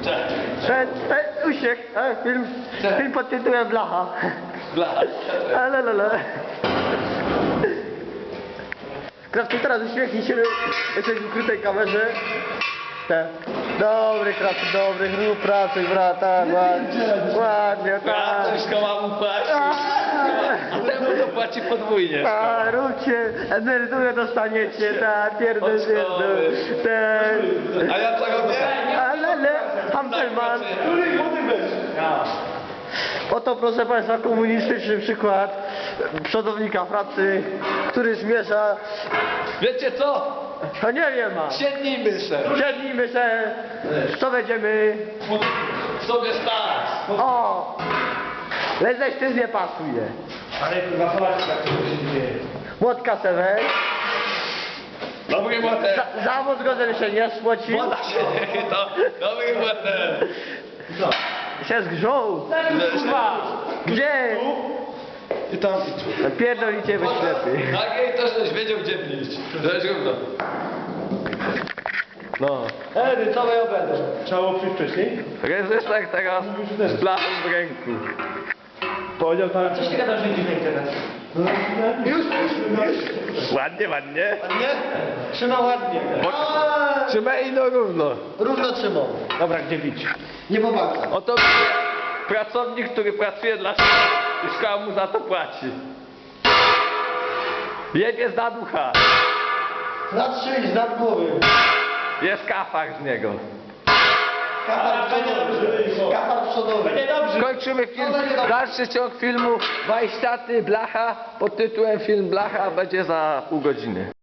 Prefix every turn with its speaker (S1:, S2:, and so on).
S1: Uśmiech, film pod tytułem Blacha.
S2: Blacha.
S1: Krawcy, teraz uśmiechnij się, jesteś w ukrytej kamerze. Dobry Krawcy, dobry, rób pracę, brat, tak, ładnie, tak.
S2: Coś ma mu płaci. A temu to płaci podwójnie.
S1: Tak, róbcie, emeryturę dostaniecie, tak, pierdol się, tak.
S2: A ja co robię?
S1: Ale, Hampelman. Oto, proszę Państwa, komunistyczny przykład przodownika pracy, który zmierza...
S2: Wiecie co?
S1: No nie wiem, ma.
S2: Siednijmy się.
S1: Siednijmy się, co będziemy...
S2: Sobie stać.
S1: O! Leześ nie pasuje.
S3: Ale kurwa, zobacz jak to się dzieje.
S1: Młotka se weź.
S2: Dobry młotek.
S1: Zawód go, żeby się nie spłocił.
S2: Młoda się nie chyta. Dobry młotek.
S1: Się zgrzął.
S2: Kurwa.
S1: Gdzie?
S3: I tam
S1: Pierdolicie wy ślepy.
S2: Tak, jej to żeś wiedział gdzie iść. To jest równo.
S1: No. Edy, co ja będę?
S3: trzeba było przyjść wcześniej.
S2: Rezyster teraz z blachą w ręku.
S3: Powiedział tam...
S1: Coś ty gadasz, że idzie na internet?
S3: Już.
S2: Ładnie, ładnie.
S1: Nie? Trzyma ładnie.
S2: Trzymaj no równo.
S1: Równo trzymał.
S3: Dobra, gdzie bić?
S1: Nie pomaga.
S2: Oto pracownik, który pracuje dla szkoły i szkoła mu za to płaci. Jebie z ducha.
S1: Zatrzymać nad głowy.
S2: Jest kafar z niego.
S1: Kapar przodowy. Kapar przodowy.
S3: Będzie dobrze.
S2: Kończymy film. Dalszy ciąg filmu Majstaty Blacha pod tytułem Film Blacha będzie za pół godziny.